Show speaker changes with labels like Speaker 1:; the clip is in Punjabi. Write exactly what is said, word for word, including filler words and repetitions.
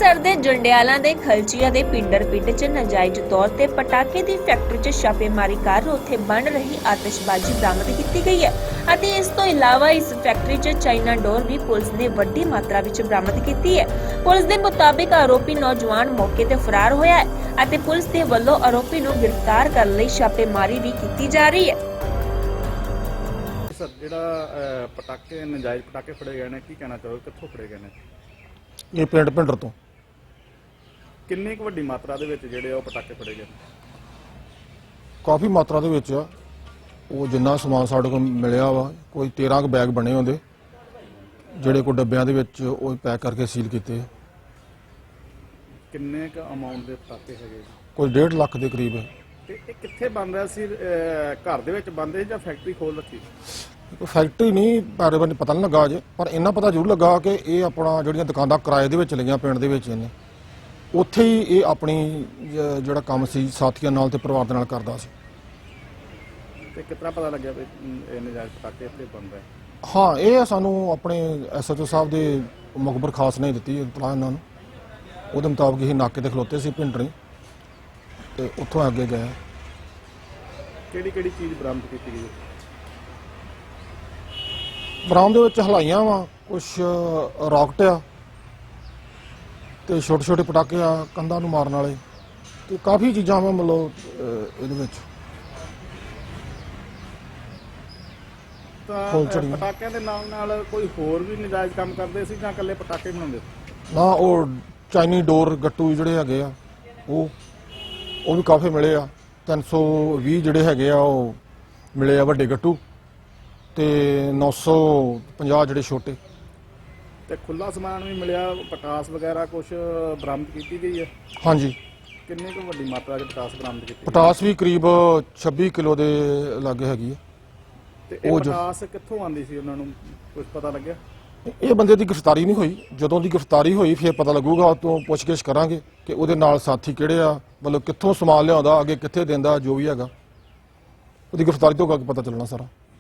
Speaker 1: ਅੰਮ੍ਰਿਤਸਰ ਦੇ ਜੰਡਿਆਲਾ ਦੇ ਖਲਚੀਆ ਦੇ ਪਿੰਡਰ ਪਿੰਡ 'ਚ ਨਾਜਾਇਜ਼ ਤੌਰ ਤੇ ਪਟਾਕੇ ਦੀ ਫੈਕਟਰੀ 'ਚ ਛਾਪੇਮਾਰੀ ਕਰ ਉੱਥੇ ਬਣ ਰਹੀ ਆਤਿਸ਼ਬਾਜ਼ੀ ਬਰਾਮਦ ਕੀਤੀ ਗਈ ਹੈ ਅਤੇ ਇਸ ਤੋਂ ਇਲਾਵਾ ਇਸ ਫੈਕਟਰੀ 'ਚ ਚਾਈਨਾ ਡੋਰ ਵੀ ਪੁਲਿਸ ਨੇ ਵੱਡੀ ਮਾਤਰਾ ਵਿੱਚ ਬਰਾਮਦ ਕੀਤੀ ਹੈ। ਪੁਲਿਸ ਦੇ ਮੁਤਾਬਿਕ ਆਰੋਪੀ ਨੌਜਵਾਨ ਮੌਕੇ ਤੇ ਫਰਾਰ ਹੋਇਆ ਹੈ ਅਤੇ ਪੁਲਿਸ ਦੇ ਵੱਲੋਂ ਆਰੋਪੀ ਨੂੰ ਗ੍ਰਿਫਤਾਰ ਕਰਨ ਲਈ ਛਾਪੇਮਾਰੀ ਵੀ ਕੀਤੀ ਜਾ ਰਹੀ ਹੈ।
Speaker 2: ਸਰ, ਜਿਹੜਾ ਪਟਾਕੇ ਨਜਾਇਜ਼ ਪਟਾਕੇ ਫੜੇ ਗਏ ਨੇ, ਕੀ ਕਹਿਣਾ ਚਾਹੋਗੇ, ਕਿੱਥੋਂ ਫੜੇ ਗਏ ਨੇ?
Speaker 3: ਇਹ ਪਿੰਡ ਭਿੰਡਰ ਤੋਂ
Speaker 2: ਕਿੰਨੀ ਕੁ ਵੱਡੀ ਮਾਤਰਾ ਦੇ ਵਿੱਚ ਜਿਹੜੇ ਉਹ ਪਟਾਕੇ ਫੜੇ ਗਏ ਨੇ?
Speaker 3: ਕਾਫੀ ਮਾਤਰਾ ਦੇ ਵਿੱਚ ਆ। ਉਹ ਜਿੰਨਾ ਸਮਾਨ ਸਾਡੇ ਕੋਲ ਮਿਲਿਆ ਵਾ, ਕੋਈ ਤੇਰਾਂ ਕੁ ਬੈਗ ਬਣੇ ਹੁੰਦੇ ਜਿਹੜੇ ਕੋ ਡੱਬਿਆਂ ਦੇ ਵਿੱਚ ਉਹ ਪੈਕ ਕਰਕੇ ਸੀਲ ਕੀਤੇ ਆ।
Speaker 2: ਕਿੰਨੇ ਕੁ ਅਮਾਉਂਟ ਦੇ ਪਟਾਕੇ ਹੈਗੇ?
Speaker 3: ਕੋਈ ਡੇਢ ਲੱਖ ਦੇ ਕਰੀਬ ਹੈ।
Speaker 2: ਤੇ ਇਹ ਕਿੱਥੇ ਬਣ ਰਿਹਾ ਸੀ? ਅਹ, ਘਰ ਦੇ ਵਿੱਚ ਬੰਦੇ ਜਾਂ ਫੈਕਟਰੀ ਖੋਲ ਰੱਖੀ?
Speaker 3: ਕੋਈ ਫੈਕਟਰੀ ਨਹੀਂ, ਬਾਰੇ ਬਾਰੇ ਪਤਾ ਨਹੀਂ ਲੱਗਾ ਅਜੇ, ਪਰ ਇੰਨਾ ਪਤਾ ਜ਼ਰੂਰ ਲੱਗਾ ਕਿ ਇਹ ਆਪਣਾ ਜਿਹੜੀਆਂ ਦੁਕਾਨਾਂ ਕਿਰਾਏ ਦੇ ਵਿੱਚ ਲਈਆਂ ਪਿੰਡ ਦੇ ਵਿੱਚ ਇਹਨੇ, ਉੱਥੇ ਹੀ ਇਹ ਆਪਣੀ ਜ- ਜਿਹੜਾ ਕੰਮ ਸੀ ਸਾਥੀਆਂ ਨਾਲ ਤੇ ਪਰਿਵਾਰ ਦੇ ਨਾਲ ਕਰਦਾ ਸੀ।
Speaker 2: ਤੇ ਕਿਤਨਾ ਪਤਾ ਲੱਗਿਆ ਵੀ ਇਹ ਨਜਾਇਜ਼ ਪਟਾਕੇ ਇੱਥੇ ਬਣ ਰਹੇ?
Speaker 3: ਹਾਂ, ਇਹ ਸਾਨੂੰ ਆਪਣੇ ਐਸ ਐਚ ਓ ਸਾਹਿਬ ਦੇ ਮੁਖਬਰ ਖਾਸ ਨੇ ਦਿੱਤੀ ਇਤਲਾਹ ਇਹਨਾਂ ਨੂੰ। ਉਹਦੇ ਮੁਤਾਬਕ ਇਹ ਨਾਕੇ ਤੇ ਖਲੋਤੇ ਸੀ ਪਿੰਡਰੀ ਤੇ ਉੱਥੋਂ ਅੱਗੇ ਗਏ।
Speaker 2: ਕਿਹੜੀ ਕਿਹੜੀ ਚੀਜ਼ ਬਰਾਮਦ ਕੀਤੀ ਗਈ?
Speaker 3: ਬਰਾਮਦ ਦੇ ਵਿੱਚ ਹਲਾਈਆਂ ਵਾ, ਕੁਛ ਰਾਕਟ ਆ ਤੇ ਛੋਟੇ ਛੋਟੇ ਪਟਾਕੇ ਆ ਕੰਧਾਂ ਨੂੰ ਮਾਰਨ ਵਾਲੇ, ਤੇ ਕਾਫੀ ਚੀਜ਼ਾਂ ਵਾ ਮਤਲਬ ਅਹ, ਇਹਦੇ ਵਿੱਚ
Speaker 2: ਤਾਂ
Speaker 3: ਫੁੱਲ
Speaker 2: ਅਹ,
Speaker 3: ਝੜੀਆਂ।
Speaker 2: ਪਟਾਕਿਆਂ ਦੇ ਨਾਲ ਨਾਲ ਕੋਈ ਹੋਰ ਵੀ ਨਜਾਇਜ਼ ਕੰਮ ਕਰਦੇ ਸੀ ਜਾਂ ਇਕੱਲੇ ਪਟਾਕੇ ਬਣਾਉਂਦੇ ਸੀ?
Speaker 3: ਨਾ, ਉਹ ਚਾਈਨੀ ਡੋਰ ਗੱਟੂ ਜਿਹੜੇ ਹੈਗੇ ਆ ਉਹ ਉਹ ਵੀ ਕਾਫੀ ਮਿਲੇ ਆ। ਤਿੰਨ ਸੌ ਵੀਹ ਜਿਹੜੇ ਹੈਗੇ ਆ ਉਹ ਮਿਲੇ ਆ ਵੱਡੇ ਗੱਟੂ, ਤੇ ਨੌ ਸੌ ਪੰਜਾਹ ਜਿਹੜੇ ਛੋਟੇ।
Speaker 2: ਤੇ ਖੁੱਲਾ ਸਮਾਨ ਵੀ ਮਿਲਿਆ, ਪਟਾਸ ਵਗੈਰਾ ਕੁਝ ਬਰਾਮਦ ਕੀਤੀ ਗਈ ਹੈ?
Speaker 3: ਹਾਂਜੀ,
Speaker 2: ਕਿੰਨੀ ਕੁ ਵੱਡੀ ਮਾਤਰਾ ਦੇ ਪਟਾਸ ਬਰਾਮਦ ਕੀਤੀ?
Speaker 3: ਪਟਾਸ ਵੀ ਕਰੀਬ ਛੱਬੀ ਕਿਲੋ ਦੇ ਲਾਗੇ ਹੈਗੀ ਆ।
Speaker 2: ਤੇ ਇਹ
Speaker 3: ਉਹ ਜੋ-
Speaker 2: ਪਟਾਸ ਕਿੱਥੋਂ ਆਉਂਦੀ ਸੀ, ਉਹਨਾਂ ਨੂੰ ਕੁਝ ਪਤਾ ਲੱਗਿਆ?
Speaker 3: ਇਹ ਬੰਦੇ ਦੀ ਗ੍ਰਿਫਤਾਰੀ ਨਹੀਂ ਹੋਈ। ਜਦੋਂ ਦੀ ਗ੍ਰਿਫਤਾਰੀ ਹੋਈ ਫਿਰ ਪਤਾ ਲੱਗੂਗਾ, ਉਹ ਤੋਂ ਪੁੱਛਗਿੱਛ ਕਰਾਂਗੇ ਕਿ ਉਹਦੇ ਨਾਲ ਸਾਥੀ ਕਿਹੜੇ ਆ, ਮਤਲਬ ਕਿੱਥੋਂ ਸਮਾਨ ਲਿਆਉਂਦਾ, ਅੱਗੇ ਕਿੱਥੇ ਦਿੰਦਾ, ਜੋ ਵੀ ਹੈਗਾ ਉਹਦੀ ਗ੍ਰਿਫਤਾਰੀ ਤੋਂ ਅੱਗੇ ਪਤਾ ਚੱਲਣਾ ਸਾਰਾ।